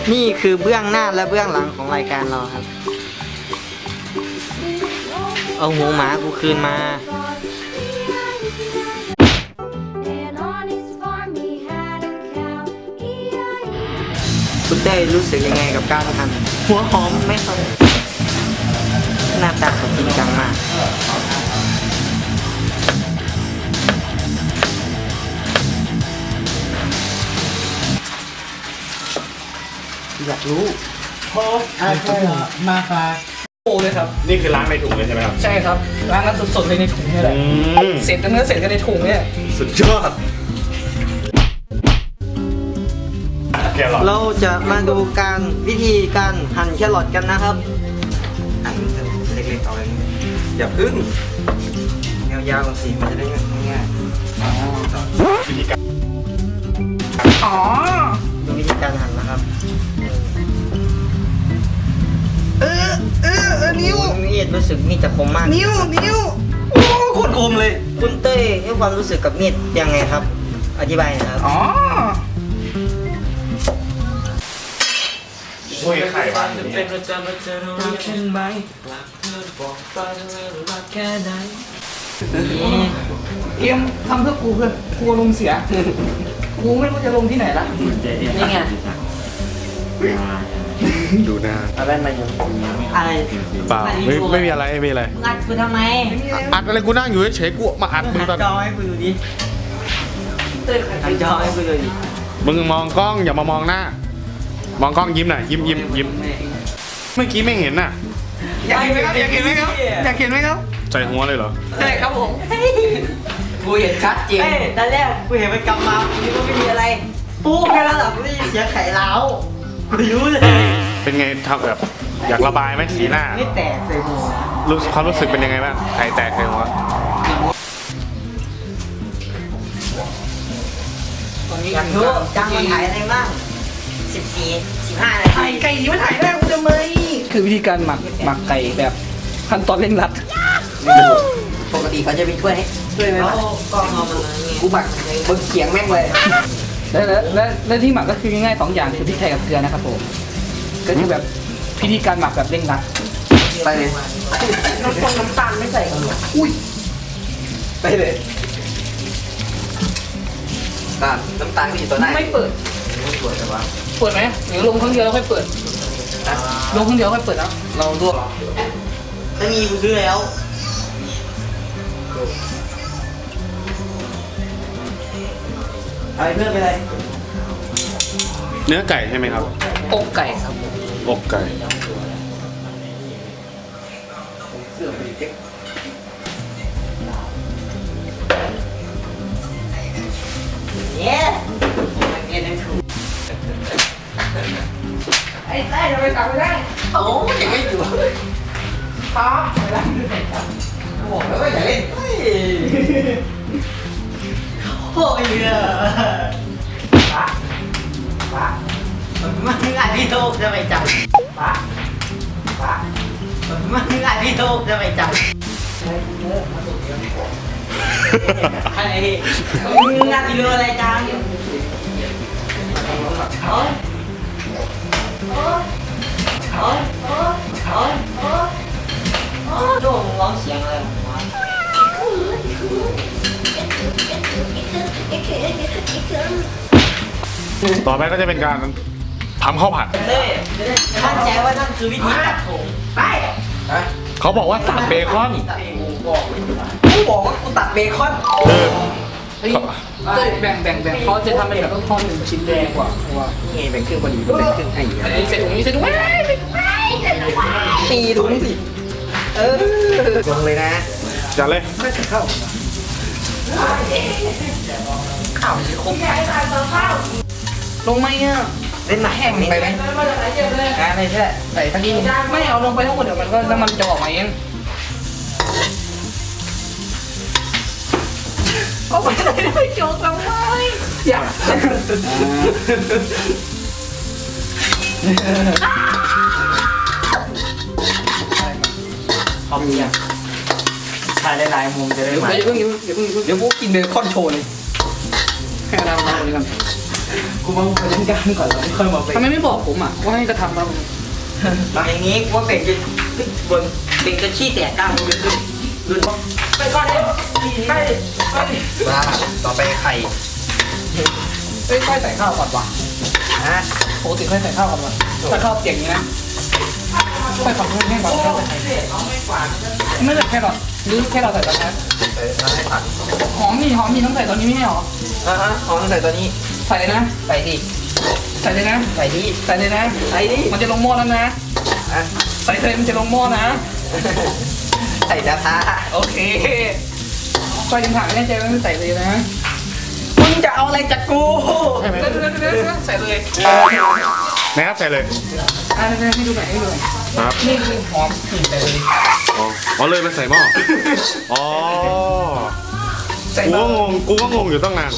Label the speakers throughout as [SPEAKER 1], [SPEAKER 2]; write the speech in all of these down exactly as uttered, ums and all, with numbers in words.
[SPEAKER 1] นี่คือเบื้องหน้าและเบื้องหลังของรายการเราครับเอาหัวหมากูคืนมาคุณได้รู้สึกยังไงกับการทำหัวหอมไหมครับหน้าตาของจริงจังมากอยากรู้
[SPEAKER 2] พออาใช่มาคา
[SPEAKER 3] โอ้เลยครับ
[SPEAKER 4] นี่คือล้างในถุงเลยใช่ไหมครับ
[SPEAKER 3] ใช่ครับล้างกันสดๆเลยในถุงนี่แหละเสร็จกันเนื้อเสร็จกันในถุงเนี่ย
[SPEAKER 4] สุดยอด
[SPEAKER 1] เราจะมาดูการวิธีการหั่นแครอทกันนะครับหั่นเล็กๆเอาเลยอย่าพึ่งยาวๆสิมันจะได้ง่ายๆวิธีการอ๋อดูวิธีการหั่นนะครับ
[SPEAKER 3] เออเออเออนิ้ว
[SPEAKER 1] มีดรู้สึกมีดจะคมมาก
[SPEAKER 3] นิ้วนิ้วโอ้โคตรคมเลย
[SPEAKER 1] คุณเต้ยให้ความรู้สึกกับมีดยังไงครับอธิบายหน่อยครับ
[SPEAKER 3] อ๋อ
[SPEAKER 4] ช่วยไข่บ้างเ
[SPEAKER 3] กมทำเพื่อกูเพื่อนกูลงเสียกูไม่รู้จะลงที่ไหนละ
[SPEAKER 1] นี่ไง
[SPEAKER 4] ดูหน้า
[SPEAKER 1] อะไรมาอยู่อะไร
[SPEAKER 4] เปล่าไม่ไม่มีอะไรไม่มีอะไร
[SPEAKER 1] อัดกูทำไม
[SPEAKER 4] อัดอะไรกูนั่งอยู่เฉยๆกูมาอัดมึงตอน
[SPEAKER 1] จอให้กูดูดิหันจอให้กูดูดิ
[SPEAKER 4] มึงมองกล้องอย่ามามองหน้ามองกล้องยิ้มหน่อยยิ้มยิ้มยิ้มเมื่อกี้ไม่เห็นน่ะ
[SPEAKER 3] อยากเห็นไหมครับอยากเห็นไหมครับอยากเห็นไหมครับ
[SPEAKER 4] ใส่หัวเลยเหรอ
[SPEAKER 3] ใช่ครับผมกูเห็นชัดเจน
[SPEAKER 1] ตอนแรกกูเห็นมันกำมากูนึกว่าไม่มีอะไรปุ๊บแค่นั้นแหละกูได้ยินเสียงไข่ล้าวกูรู้เลย
[SPEAKER 4] เป็นไงทำแบบอยากระบายไหมสีหน้า
[SPEAKER 1] ไม่แตกใส่หัว
[SPEAKER 4] รู้ความรู้สึกเป็นยังไงบ้างไข่แตกใส่หัว
[SPEAKER 1] อยากรู้จังมันถ่ายอะไรบ้างสิบสี่สิบห้านาที
[SPEAKER 3] ไก่มันถ่ายได้กูจะไม่คือวิธีการหมักหมักไก่แบบขั้นตอนเร่งรัด
[SPEAKER 1] ปกติเขาจะมีถ้วยให้ถ้วยไหมวะก็เอามา
[SPEAKER 3] กูหมักบนเขียงแม่งเลยและและและที่หมักก็คือง่ายๆสองอย่างคือพริกไทยกับเกลือนะครับผมก็คือแบบพิธีการหมักแบบเร่งรัด
[SPEAKER 1] ไปเลย
[SPEAKER 3] น้ำตาลน้ำตาลไม่ใส่กันหรออุ้ย
[SPEAKER 1] ไปเลยน้ำตาลน้ำตาลมีตัวไหน
[SPEAKER 3] ไม่เปิด
[SPEAKER 1] ไม่เปิดแต่ว่า
[SPEAKER 3] เปิดไหมหรือลงครั้งเดียวแล้วค่อยเปิดลงครั้งเดียวค่อยเปิดแล้วเราลวก
[SPEAKER 1] ไม่มีกูซื้อแล้วอะไรเพื่อนไปเลย
[SPEAKER 4] เนื้อไก่ใช่ไหมครับ
[SPEAKER 3] อกไก่ครับ
[SPEAKER 4] อกไก่
[SPEAKER 1] เนี่ย
[SPEAKER 3] ไอ้ไส้ทำไมกลับไม่ได้
[SPEAKER 1] โอ้ยยังไม่อยู่
[SPEAKER 3] ครับไม่ได้
[SPEAKER 1] บอกแล้วว่าอย่าเล่นโอ้ยเยอะปะปะมันไม่งานพี่โตจะไปจับปะปะมันไม่งานพี่โตจะไปจับอะไรมึงงานพี่โตอะไรจังโอ้ยโอ้ยโอ้ยโอ้ยโอ้ยโอ้ยโอ้ยโดนร้องเสียงอะไรของมัน
[SPEAKER 4] ต่อไปก็จะเป็นการทำข้าวผัด
[SPEAKER 1] มั่นใจว่านั่นคือวิธีตัดผมไป
[SPEAKER 4] เขาบอกว่าตัดเบคอน
[SPEAKER 3] กูบอกว่ากูตัดเบคอนแบ่งแบ่งแบ่งเขาจะทำเป็นแบบทอดหนึ่งชิ้นแดงกว่าว่า
[SPEAKER 1] นี่แบ่งครึ่งพอดีแบ่งครึ่งให้
[SPEAKER 3] อันนี้ใส่ถุงนี้ใส่ถุง
[SPEAKER 1] ตีถุงสิเออลงเลยนะ
[SPEAKER 4] จัดเลย
[SPEAKER 3] ไม่ใส่ข้าวข้าวคมลงไหมอ่ะ
[SPEAKER 1] เล่นหนักแห้งไปไหมอะไรใช่
[SPEAKER 3] ใส่ทั้งนี้ไม่เอาลงไปทั้งหมดเดี๋ยวมันก็น้ำมันจะออกมาเองก็ผมจะได้ไม่โจกทำไมอยาก
[SPEAKER 1] พอมีอ่ะถ่ายหลายๆมุมจะได้
[SPEAKER 3] มาเดี๋ยวเพิ่งเดี๋ยวเพิ่งเดี๋ยวพวกกินเบคอนโชว์เลยให้เรามาเลยกัน
[SPEAKER 2] กูมาไปเล่นการก่อนแล้วค่อยมาไป
[SPEAKER 3] ทำไมไม่บอกผมอ่ะว่าให้กระทำเรา
[SPEAKER 1] อย่างนี้ว่าเบ่งจะบนเบ่งจะขี้แตกกลางเลยคือดูไปก่อนเลยไปไปมาต่อไปไข่
[SPEAKER 3] เอ้ยค่อยใส่ข้าวก่อนวะ
[SPEAKER 1] ฮะ
[SPEAKER 3] ปกติค่อยใส่ข้าวก่อนวะถ้าข้าวเปียกอย่างนี้นะค่อยฝังให้แห้งก่อนค่อยใส่ไม่ใส่แค่หรอหรือแค่เราใส่ตอนนั้น
[SPEAKER 1] ใส่น้ำให้ผัด
[SPEAKER 3] หอมนี่หอมนี่ต้องใส่ตอนนี้ไม่ใช่หรอ
[SPEAKER 1] อ่าฮะอ๋อต้องใส่ตัวนี้
[SPEAKER 3] ใส่เลยนะ
[SPEAKER 1] ใส่ดิ
[SPEAKER 3] ใส่เลยนะ
[SPEAKER 1] ใส่ดิ
[SPEAKER 3] ใส่เลยนะ
[SPEAKER 1] ใส่ดิ
[SPEAKER 3] มันจะลงหม้อแล้วนะ
[SPEAKER 1] อ่ะ
[SPEAKER 3] ใส่เลยมันจะลงหม้อนะ
[SPEAKER 1] ใส่กระทะ
[SPEAKER 3] โอเคค่อยดึงผักแน่ใจว่าไม่ใส่เลยนะ
[SPEAKER 1] มึงจะเอาอะไรจากกู
[SPEAKER 3] เดี๋ยวเดี๋ยวเดี๋ยวเดี๋ยวใส่เลย
[SPEAKER 4] นะครับใส่เลย
[SPEAKER 3] อ่าเดี๋ยวให้ดูหน่อยให้ดูหน่อย
[SPEAKER 4] ครับ
[SPEAKER 3] นี่คือหอมกลิ่นใส่เลย
[SPEAKER 4] อ๋ออ๋อเลยมันใส่หม้ออ๋อ
[SPEAKER 3] ใส่
[SPEAKER 4] กู
[SPEAKER 3] เบา
[SPEAKER 4] ก็งงกูก็งงอยู่ตั้งนาน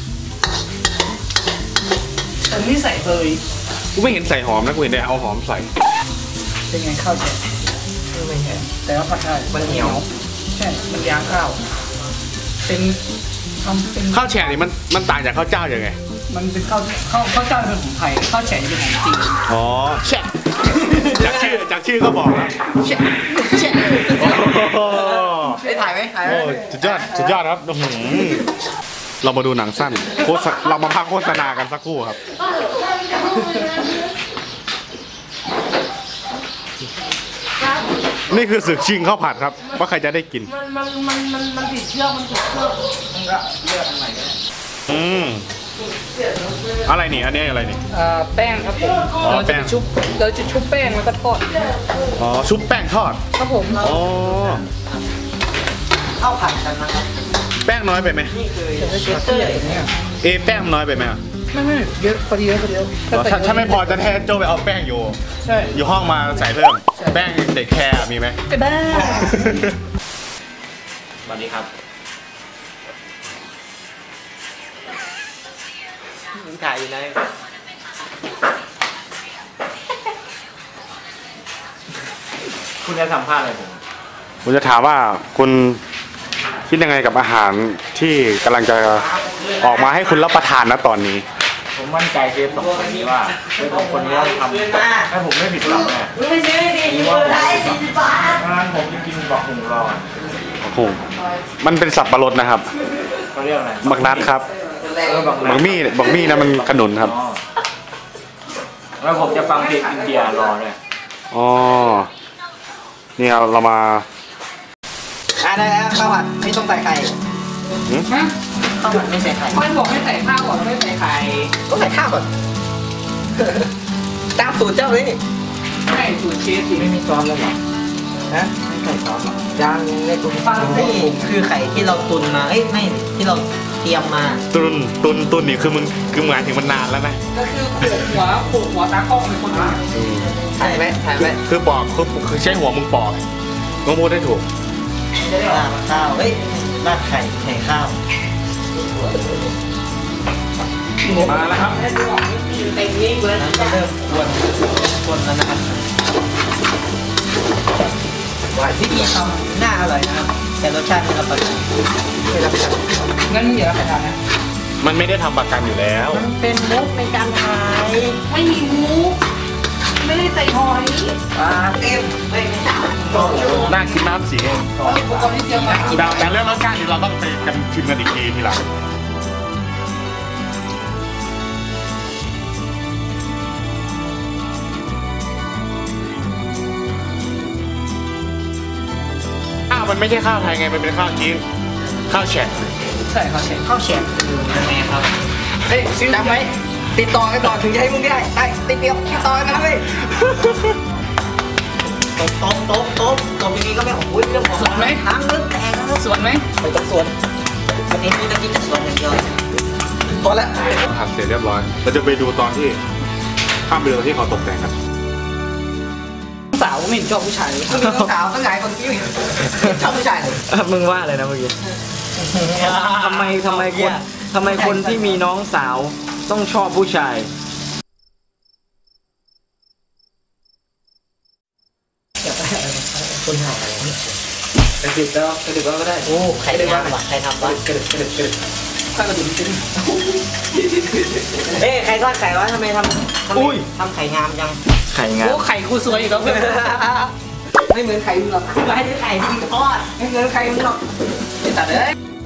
[SPEAKER 3] แต่ไม่ใส่เลย
[SPEAKER 4] กูไม่เห็นใส่หอมนะกูเห็นแต่เอาหอมใส่
[SPEAKER 3] เป็นไงข้าวแฉะ
[SPEAKER 1] ไม่ใช่
[SPEAKER 3] แต่ว่าผัดได้
[SPEAKER 1] มันเหนียว
[SPEAKER 3] ใช่มันยางข้าว เป็นทำเป็น
[SPEAKER 4] ข้าวแช่นี่มันมันต่างจากข้าวเจ้ายังไง
[SPEAKER 3] มันเป็นข้าวข้าวข้าวเจ้าเป็นของไทยข้าวแฉะจะเป็นของจีน
[SPEAKER 4] อ๋อแช่จากชื่อจากชื่อก็บอกแล้ว
[SPEAKER 3] แฉะแฉะ
[SPEAKER 4] โอ้โห
[SPEAKER 1] ได้ถ่ายไหมถ่ายไหม
[SPEAKER 4] โอ้สุดยอดสุดยอดครับอื้อหือเรามาดูหนังสั้นโฆษณาเรามาพักโฆษณากันสักครู่ครับ นี่คือศึกชิงข้าวผัดครับ ว่าใครจะได้กิน
[SPEAKER 3] มันมันมันมันมันติดเชือกมันติดเชือกมันก็เลือกอันไหนก็ได้
[SPEAKER 4] อืมอะไรนี่อันนี้อะไรนี่
[SPEAKER 3] เอ่อแป้งครับผม
[SPEAKER 4] อ๋อ
[SPEAKER 3] เรา
[SPEAKER 4] แป้
[SPEAKER 3] จะ
[SPEAKER 4] ง
[SPEAKER 3] ชุบเราจะชุบแป้งแล้วก็ทอด
[SPEAKER 4] อ๋อชุบแป้งทอด
[SPEAKER 3] ครับผม
[SPEAKER 4] อ๋อ
[SPEAKER 1] ข้าวผัดกันนะครับ
[SPEAKER 4] แป้งน้อยไปไหม
[SPEAKER 1] นี่คือ
[SPEAKER 3] จะได้เชสเตอร์อย่างเงี้ย
[SPEAKER 4] เอะแป้งน้อยไปไหมอ่ะ
[SPEAKER 3] ไม่ไม่เยอะพอดีแล้วพอดีแล้ว
[SPEAKER 4] ถ้าถ้าไม่พอจะแทนโจไปเอาแป้งอยู่
[SPEAKER 3] ใช่
[SPEAKER 4] อยู่ห้องมาใส่เพิ่ม แป้งเด็กแคร์มีไหม
[SPEAKER 3] ก็ได้
[SPEAKER 4] สวัสดีครับ
[SPEAKER 1] มึงถ่ายอยู่ไหนคุณจะสัมภาษณ์อะไรผม
[SPEAKER 4] ผมจะถามว่าคุณคิดยังไงกับอาหารที่กำลังจะออกมาให้คุณรับประทานนะตอนนี้
[SPEAKER 2] ผมมั่นใจเชฟสองคนนี้ว่าเชฟสองคนนี้ต้องทำถ้าผมไม่ผิดหวังแน่
[SPEAKER 1] มึงไม่ซื้อดิมึงได้สี่สิบบาท
[SPEAKER 2] งั้นผมจะกินบักหุงรอ
[SPEAKER 4] โอ้โหมันเป็นสับปะรดนะครับ
[SPEAKER 2] เขาเรียกอะไร
[SPEAKER 4] บักนัดครับ
[SPEAKER 2] เออบัก
[SPEAKER 4] บักมี่บักมี่นะมันขนุนครับ
[SPEAKER 2] อ๋อแล้วผมจะฟังเพลงอินเดียรอเลย
[SPEAKER 4] อ๋อ นี่เราเรามา
[SPEAKER 1] อ่ะได้แล้วข้าวผัดไม่ต้องใส่ไข่
[SPEAKER 3] ฮะ
[SPEAKER 1] ข้าวผัดไม่ใส่ไข่
[SPEAKER 3] ค่อยบอกให้ใส่ข้าวก่อนไม่ใส่ไข่
[SPEAKER 1] ก็ใส่ข้าวก่อน ตามสูตรเจ้าเลย
[SPEAKER 3] ใช่สูตรเชฟสิ
[SPEAKER 1] ไม่มีซอสแล้วหรอฮะไม่ใส่ซอสหรอยังในตุนฟังนี่คือไข่ที่เราตุนมาเอ้ยไม่ที่เราเตรียมมา
[SPEAKER 4] ตุนตุนตุนนี่คือมึงคือหมายถึงมันนานแล้วนะ
[SPEAKER 3] ก็คือโขกหัวโขกหัวตากล้องเป็นคนมา
[SPEAKER 1] ถ่ายไหมถ่ายไหม
[SPEAKER 4] คือปอกคือคือใช้หัวมึงปอกมึงพูดได้ถูก
[SPEAKER 1] ราดข้าวเฮ้ยราดไข่ไข่ข้าว
[SPEAKER 4] มาแล้วครับ
[SPEAKER 3] เต็มนี่เลย
[SPEAKER 1] น้ำจะเริ่มกวนกวนแล้วนะครับว่าวิธีทำน่าอร่อยนะครับแต่รสชาติไม่รับประกันไม่รับประกัน
[SPEAKER 3] งั้นอย่าไปทานนะ
[SPEAKER 4] มันไม่ได้ทำประกันอยู่แล้ว
[SPEAKER 1] มันเป็นมุกในการขาย
[SPEAKER 3] ไม่มีหมูไม่ได้ใส่หอย
[SPEAKER 1] ปลาเต็มไม่ไม่ได้
[SPEAKER 4] น่ากินน้ำสี
[SPEAKER 3] อุปกรณ์ที่เตรียมมา
[SPEAKER 4] แต่แต่เรื่องรสชาตินี่เราต้องไปกันชิมกันอีกทีทีหลังข้าวมันไม่ใช่ข้าวไทยไง มันเป็นข้าวจีนข้าวแฉะ
[SPEAKER 3] ใช่ครับเชฟ
[SPEAKER 1] ข้าวแฉะยังไงครับ
[SPEAKER 3] เฮ้ยซื้อ
[SPEAKER 1] จำไว้ติดต่อกันก่อนถึงจะให้มึงได้ได้ติดเดียวติดต่อกันนะเว้ยตบตบตบตบตบดีๆก็ไม่ของอุ้ยเรื่องของน้ำเลือดแตกแล้ว
[SPEAKER 3] สวนไหม
[SPEAKER 1] ไม่ต้องสวนวันนี้มึงจะกินแต่สวนอย่างเดียวพอละ
[SPEAKER 4] ทำเสร็จเรียบร้อย เราจะไปดูตอนที่ข้ามไปดูตอนที่เขาตกแต่งกัน
[SPEAKER 3] สาวไม่เห็นชอบผู้ชายเลย
[SPEAKER 1] มึงมีสาวตั้งหลายคนที่ชอบผู้ชายเลย
[SPEAKER 5] มึงว่าอะไรนะเมื่อกี้ ทำไมทำไมคนทำไมคนที่มีน้องสาวต้องชอบผู้ชาย
[SPEAKER 1] คนหายอะไร
[SPEAKER 3] กระดิบแล้วกระดิบแล้วก็ได้
[SPEAKER 1] โอ้ใครทำวะใครทำวะ
[SPEAKER 3] กระดิบกระดิบกระดิบข้าวกระดิ่งจริง
[SPEAKER 1] เอ้ยใครทอดไข่วะทำไมทำทำไมทำไข่งามจัง
[SPEAKER 2] ไข่งา
[SPEAKER 3] โอ้
[SPEAKER 2] ม
[SPEAKER 3] ไข่กูสวยอีกแล้วเพื่อนไม่เหมือนไข่มึงหรอก
[SPEAKER 1] ไม่ได้ไข่ที่ทอด
[SPEAKER 3] ไม่เหมือนไข่มึงหรอกไอ้ตัดเลย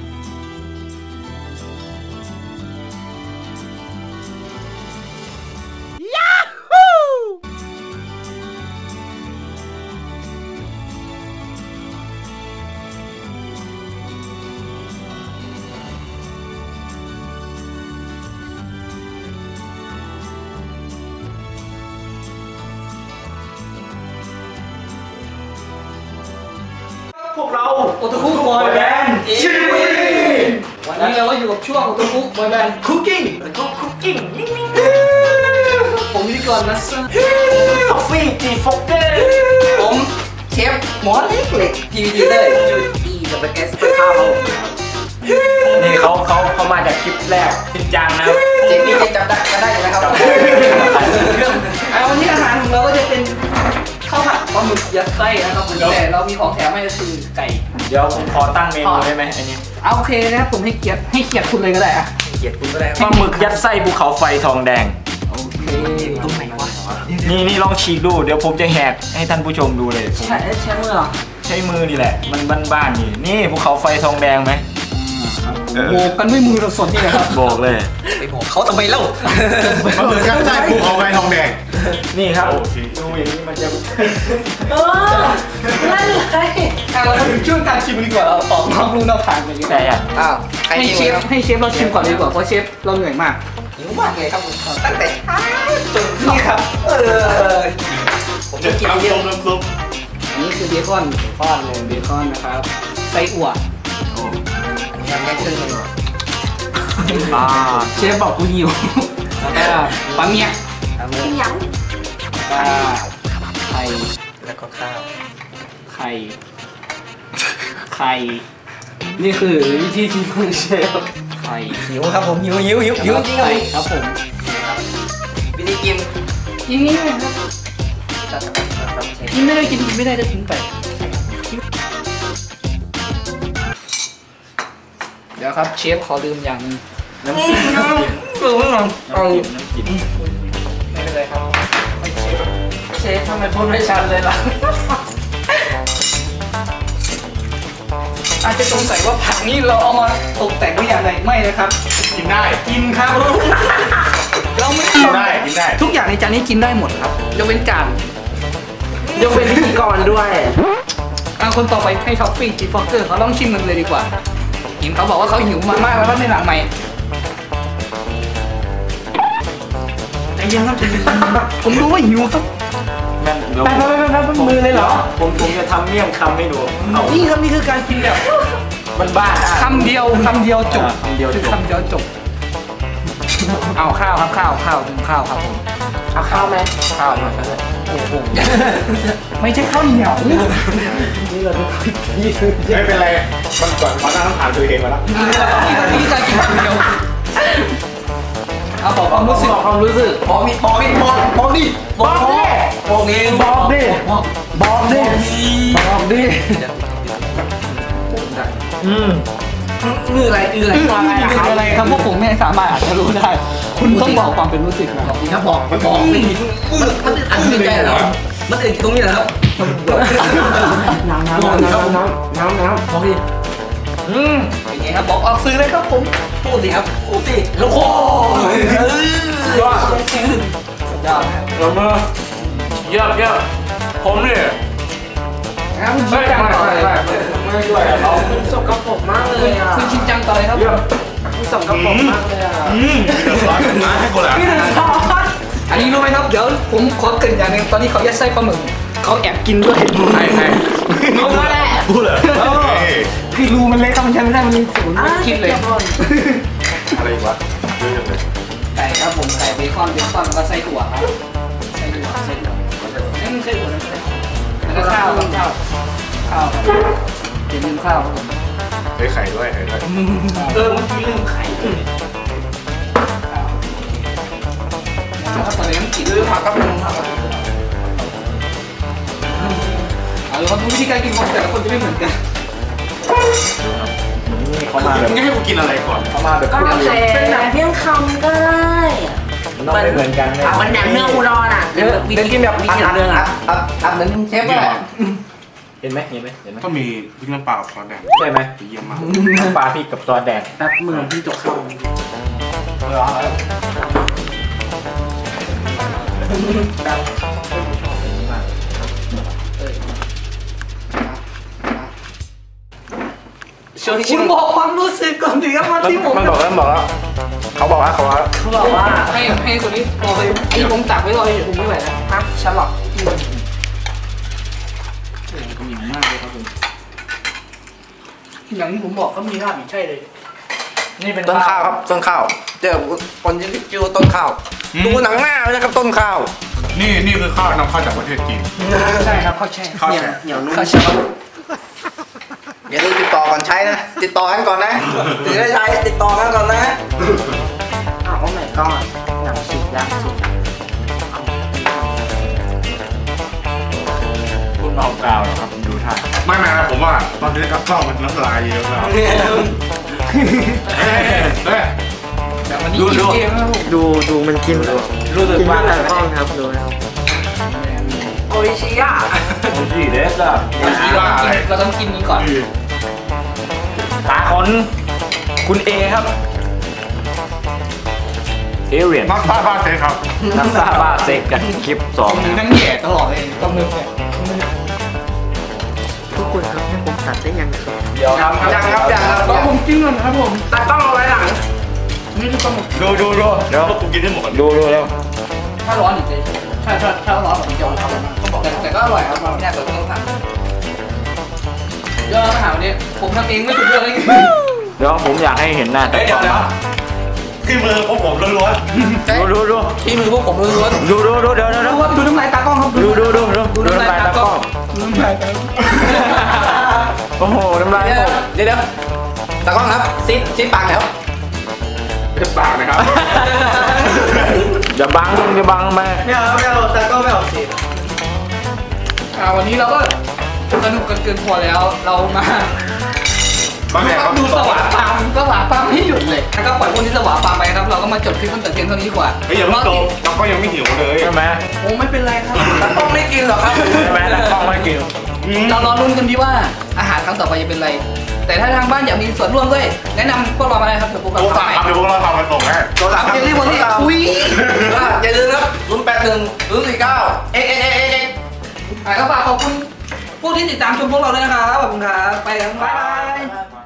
[SPEAKER 2] พวกเรา
[SPEAKER 3] โอตาคุบอยแบนด์
[SPEAKER 2] ชีวี
[SPEAKER 3] วันนี้เราก็อยู่กับช่วงโอตาคุบอยแบนด์
[SPEAKER 2] คุกกิ้งแล้วก็คุกกิ้ง
[SPEAKER 3] ผมพิธีกรนัสเซอร์
[SPEAKER 2] คอฟฟี่จีฟอกเกอร์
[SPEAKER 3] ผมเชฟหมอเล็กเล็กพีวีดีเลยยูดีกับเกสเปอร์ข้าว
[SPEAKER 2] นี่เขาเขาเขามาจากคลิปแรกจริงจังนะ
[SPEAKER 3] เจ๊นี่จะจับได้ก็ได้อยู่นะครับเอาวันนี้อาหารของเราก็จะเป็นข้าวผัดปลาหมึกยัดไส้นะครับผมแต่เรามีของแถมให้ก็คือไก่
[SPEAKER 2] เดี๋ยวผมขอตั้งเมนูได้ไหมอันนี้
[SPEAKER 3] เอาโอเคนะครับผมให้เกียรติให้เกียรติคุณเลยก็ได้อะ
[SPEAKER 1] เกลียดคุณก็ได้
[SPEAKER 2] ปลาหมึกยัดไส้ภูเขาไฟทองแดง
[SPEAKER 3] โอเค
[SPEAKER 1] ตรงไหนวะ
[SPEAKER 2] นี่นี่ลองฉีกดูเดี๋ยวผมจะแหกให้ท่านผู้ชมดูเลยผม
[SPEAKER 3] ใช่ใช่เมื่อ
[SPEAKER 2] ใช้มือนี่แหละ มันบ้านๆนี่นี่ภูเขาไฟทองแดงไหม
[SPEAKER 3] โบกกันด้วยมือเราสดนี่นะครับ
[SPEAKER 2] บอกเลย
[SPEAKER 1] ไปบอกเขาทำไมเล่า
[SPEAKER 4] มันเหมือนกันใช่ภูเขาไฟทองแดง
[SPEAKER 2] นี่ครับ
[SPEAKER 4] โอ้สิ
[SPEAKER 2] ดูอย่างนี้มันจะ
[SPEAKER 3] เออนั่นเลยอ่ะเราถึงช่วงการชิมกันดีกว่าเราออกนอกรูนอกทางไปดีก
[SPEAKER 2] แต่
[SPEAKER 3] ว่า
[SPEAKER 2] อ่ะ
[SPEAKER 1] อ้าวใคร
[SPEAKER 3] ให้
[SPEAKER 1] หิว
[SPEAKER 3] เชฟ
[SPEAKER 1] ครับ
[SPEAKER 3] ให้เชฟเราชิมก่อนเลยดีกว่าเพราะเชฟเราเหนื่อยมาก
[SPEAKER 1] หิวมากเลยครับผมตั้งแต่จน
[SPEAKER 3] นี่ครับ
[SPEAKER 1] เออผมจะกินเยอะ
[SPEAKER 4] น้ำซุป
[SPEAKER 3] อันนี้คือเบคอนเบคอนเลยเบคอนนะครับไส้อั่ว
[SPEAKER 1] อันนี้ยังไม่ครึ่งเลย
[SPEAKER 2] อ่า
[SPEAKER 3] เชฟบอกกูหิวแล้วก็ปลาเมีย
[SPEAKER 1] เอามือ
[SPEAKER 3] ปลาไข่
[SPEAKER 1] แล้วก็ข้าว
[SPEAKER 3] ไข่ไข่นี่คือวิธีชิมของเชฟไข่
[SPEAKER 1] หิวครับผมหิวหิวหิวหิวจริงครั
[SPEAKER 3] ไข่
[SPEAKER 1] บ
[SPEAKER 3] ครับผม
[SPEAKER 1] วิธีกิน
[SPEAKER 3] กินนี่นะครับ
[SPEAKER 1] จัดครับเชฟ
[SPEAKER 3] กินไม่ได้กินกินไม่ได้จะทิ้งไปเดี๋ยวครับเชฟขอลืมอย่างนึง
[SPEAKER 2] น้ำจิ้มน้ำจิ้ม
[SPEAKER 1] เออไม่ลอง
[SPEAKER 2] น้ำจิ้มน้ำจิ้ม
[SPEAKER 3] ไม่เป็นไรครับเชฟทำไมพูดไม่ชัดเลยล่ะ อาจจะสงสัยว่าผักนี่เราเอามาตกแต่งไว้อย่างไรไม่นะครับ
[SPEAKER 4] กินได้
[SPEAKER 3] กินครับ เราไม่
[SPEAKER 4] กินได้กินได้
[SPEAKER 3] ทุกอย่างในจานนี้กินได้หมดครับยกเว้นจาน
[SPEAKER 1] ยกเป็นพิธีกรด้วย
[SPEAKER 3] อ่ะคนต่อไปให้ท็อฟฟี่จีฟอกเกอร์เขาลองชิมกันเลยดีกว่าเห็นเขาบอกว่าเขาหิวมามากแล้วในหลังใหม่
[SPEAKER 1] ไอ้ยังครับ
[SPEAKER 3] ผมรู้ว่าหิวครับ
[SPEAKER 2] แม่งเดี๋ยว
[SPEAKER 3] ไปไปไปไปไปมือเลยเหรอ
[SPEAKER 2] ผมผมจะทำเมี่ยงคำให้ดูเอา
[SPEAKER 3] นี่ครับนี่คือการกินแบบ
[SPEAKER 2] มันบ้านอ่ะ
[SPEAKER 3] คำเดียวคำเดียวจบ
[SPEAKER 2] อ่าคำเดียวจบ
[SPEAKER 3] คือคำเดียวจบ เอาข้าวครับข้าวข้าวถึงข้าวครับผม
[SPEAKER 1] เอาข้าวไหม
[SPEAKER 3] ข้าวมาเลยโอ้โหไม่ใช่ข้าวเหนียว
[SPEAKER 4] ไม่เป็นไร มันก่อนขอนั่งผ่านตัวเองมาแล้ว
[SPEAKER 3] นี่คือการกินคำเดียวเอาบอกความรู้สึก
[SPEAKER 1] บอกความรู้สึกบอกมิบอกมิบอกบอกดิบอกดิบอกเอง
[SPEAKER 3] บอกดิบอกดิบอกดิ
[SPEAKER 2] อืม
[SPEAKER 1] มืออะไรอืออะไร
[SPEAKER 3] คืออะไรครับพวกผมไม่สามารถอาจจะรู้ได้ คุณต้องบอกความเป็นรู้สึกนะครับ
[SPEAKER 1] นี่ครับบอกบอกไม่มีมันมันอันนี้ใจเหรอมันอื่นตรงนี้เหรอครับน้ำน้ำน้ำน้ำน้ำน้ำน้ำบอกดิ
[SPEAKER 3] อืมเป็นไงครับบอกออกซื้อเลยครับผม
[SPEAKER 1] พูดสิครับพูดสิแล้วโอ้ย
[SPEAKER 2] ยอด
[SPEAKER 3] ยอด
[SPEAKER 2] เราเมื่อเยี่ยมเยี่ยมผมเนี่ย
[SPEAKER 3] นะครับคุณชินจังต่อเลย
[SPEAKER 2] ไม่ด้วยเขา
[SPEAKER 1] สกปรกมากเลยอ่ะ
[SPEAKER 3] คุณชินจังต่อเลยครับ
[SPEAKER 2] เยี่ยม
[SPEAKER 1] สกปรกมากเลยอ่ะ
[SPEAKER 2] อืม
[SPEAKER 4] มาให้กูแหละ
[SPEAKER 3] อันนี้รู้ไหมครับเดี๋ยวผมขอเกรินอย่างหนึงตอนนี้เขายัดไส้ปลาหมึกเขาแอบกินด้วย
[SPEAKER 4] ใครใคร
[SPEAKER 3] เอามาแหละ
[SPEAKER 4] พูดเหรอเอ้ย
[SPEAKER 3] คือรูมันเล็กครับมันใช้ไม่ได้มันมีศูนย์ไม่คิดเลย
[SPEAKER 4] อะไรอีกวะเยอะจังเลย
[SPEAKER 3] ไก่ครับผมไก่เบคอนเบคอนแล้วก็ไส้ถั่วครับไส้ถั่วไส้ถั่วนี่มันไส้ถั่วนะแล้วก็ข้าวครับข้าวข้าวครับอย่าลืมข้าวครับผม
[SPEAKER 4] เฮ้ยไข่ด้วยไข่ด้วย
[SPEAKER 1] เออเมื่อกี้ลืมไข่
[SPEAKER 3] ข้าวแล้วก็ตอนนี้มันกิน
[SPEAKER 1] ลืมผักกับลืมผักกับ
[SPEAKER 3] เอาละครับวิธีการกินของแต่ละคนจะไม่เหมือนกัน
[SPEAKER 5] นี่เขามาแบบ
[SPEAKER 4] งั้นให้กูกินอะไรก่อน
[SPEAKER 5] เขามาแบบ
[SPEAKER 6] ก็แล้วแต่เป็นหนังเพียงคำก็ได้
[SPEAKER 5] มันต้องไม่เหมือนกันเลย
[SPEAKER 6] มันแหนมเนื้ออุดรอ่ะ
[SPEAKER 3] เดี๋ยวเดี๋ยวกินแบบ
[SPEAKER 6] วิ
[SPEAKER 3] อัด
[SPEAKER 6] ธี
[SPEAKER 3] อัด
[SPEAKER 6] เรื่อง
[SPEAKER 3] อั
[SPEAKER 6] อ่ะ
[SPEAKER 3] ดอัดอัดเหมือนเชฟเลย
[SPEAKER 5] เห็นไหมเห็นไหมเห็นไหม
[SPEAKER 4] ก็มีพริกน้ำปลากับซอสแดง
[SPEAKER 5] ใช่ไหม
[SPEAKER 4] เยี่ยมมาก
[SPEAKER 5] น้ำปลาพริกกับซอสแดง
[SPEAKER 3] แป๊บมือพี่จกเข้า
[SPEAKER 6] คุณบอกความรู้สึกก่อนถึงจะมาที่ผม
[SPEAKER 5] มันบอกแล้วบอกแล้วเขาบอกว่าเขาว่า
[SPEAKER 6] เขาบอกว่า
[SPEAKER 3] ให้ให้คนนี้บอกเลยไอ้ผมตักไว้รออยู่ผมไม่ไหวแล้วฮะฉลอดที่มันโอ้โหเหนียวมากเลยครับผมอย่างที่ผมบอกก็มีราบอีกใช่เลย
[SPEAKER 5] นี่เป็น
[SPEAKER 3] ต้นข้าวครับต้นข้าวเจอคนที่ชื่อว่าต้นข้าวดูหนังหน้าเลยนะครับต้นข้าว
[SPEAKER 4] นี่นี่คือข้าวนำเข้าจากประเทศจีน
[SPEAKER 3] ใช่ครับข้าวแช่
[SPEAKER 4] ข้าวแช่
[SPEAKER 3] เหนียวนุ่มข้าวแช่อย่าลืมติดต่อก่อนใช้นะติดต่อกันก่อนนะถึงได้ใช้ติดต่อกันก่อนนะ
[SPEAKER 6] อ้าวโอ้ my god หนังสุดยากสุด
[SPEAKER 5] คุณเอากาวนะครับผมดูท่า
[SPEAKER 4] ไม่ไม่นะผมว่าตอนนี้กับข้าวมันน้ำลายเยอะแล้วเฮ้ยเฮ้ย
[SPEAKER 3] แบบวันนี้กินเกมนะครับผม
[SPEAKER 5] ดูดูมันกินรู้สึกว่าแต่กล้องครับดูนะครับ
[SPEAKER 6] โออิชิยะ
[SPEAKER 5] โอ้ยเด็ดอ่ะ
[SPEAKER 3] เราต้องกินนี้ก่อน
[SPEAKER 5] ตาคนคุณเอครับเอเรียน
[SPEAKER 4] มักซ่าบ้าเซ่ครับ
[SPEAKER 5] นักซาบาเซ็กกันคลิปสอง
[SPEAKER 3] นั่งแย่ตลอดเลยต้องมือแย่
[SPEAKER 6] ทุกคนครับให้ผมตัดได้ยังครับ
[SPEAKER 5] เดี๋ยวครับ
[SPEAKER 3] ยังครับยังครับก็ผมกินก่อนครับผมตัดต้องเอาไว้หลังไม่ได้ต้อง
[SPEAKER 4] ดูดูดู
[SPEAKER 5] เดี๋ยว
[SPEAKER 4] กูกินให้หมด
[SPEAKER 5] ดูดูแล้ว
[SPEAKER 3] ถ้าร้อนอีกเลยใช่ถ้าถ้าร้อนผมจะเอาทำต้องบอกแต่แต่ก็อร่อยครับเราไม่ได้เปิดต้องสั่งเดี๋ยวอาหารวันนี้ผมทำเองไม่ถูกเรื่องเลย
[SPEAKER 5] เดี๋ยวผมอยากให้เห็นหน้าแต่กล้อง
[SPEAKER 4] ที่มือพวกผมล้วน
[SPEAKER 5] ดูดูดู
[SPEAKER 3] ที่มือพวกผมล้วน
[SPEAKER 5] ดูดูดูเดี๋ยวเดี๋ยว
[SPEAKER 3] ดู
[SPEAKER 5] เดี๋ยว
[SPEAKER 3] ว่าดูน้ำลายตากล้องครับ
[SPEAKER 5] ดูดูดูดูดูน้ำลายตากล้อง
[SPEAKER 3] ดูน้ำลายตากล้อง
[SPEAKER 5] โอ้โหน้ำลาย
[SPEAKER 3] เดี๋ยวเดี๋ยวเดี๋ยวตากล้องครับซิดซิดปากแล้ว
[SPEAKER 4] ๆจะปากนะครับ
[SPEAKER 5] อย่าบังอย่าบังแม่
[SPEAKER 1] ไม่เอาไม่เอาแต่ก็ไม่เอาสิ
[SPEAKER 3] อ่าวันนี้เราก็สนุกกันเกินพอแล้วเรามา
[SPEAKER 4] ก็เนี่ยครับ
[SPEAKER 3] ดูสวาปามสวาปามไม่หยุดเลยแล้วก็ปล่อยพวกนี้สวาปามไปครับเราก็มาจบคลิปตั้งแต่เพียงเท่านี้ดีกว่า
[SPEAKER 4] เฮ้ยอย่าเพิ่งโตเราก็ยังไม่หิวเลย
[SPEAKER 5] ใช่ไหม
[SPEAKER 3] โอ้ไม่เป็นไรครับตากล้องไม่กินหรอกครับ
[SPEAKER 5] ใช่ไหมตากล้องไม่กิน
[SPEAKER 3] เรารอลุ้นกันดีว่าอาหารครั้งต่อไปจะเป็นอะไร แต่ถ้าทางบ้านอยากมีส่วนร่วมด้วยแนะนำพวกเรามาเลยครับเดี๋ยวผม
[SPEAKER 4] โทรศัพท์ครับเดี๋ยวพวกเราทำกันส่งให้
[SPEAKER 3] โทรศัพท์เจลลี่วันนี้อุ้ยอย่าลืมครับศูนย์แปดหนึ่งศูนย์สี่เก้าเอ็กเอ็กเอ็กเอ็กเอ็กก็ฝากขอบคุณผู้ที่ติดตามชมพวกเราด้วยนะครับขอบคุณครับไปกันบ๊ายบาย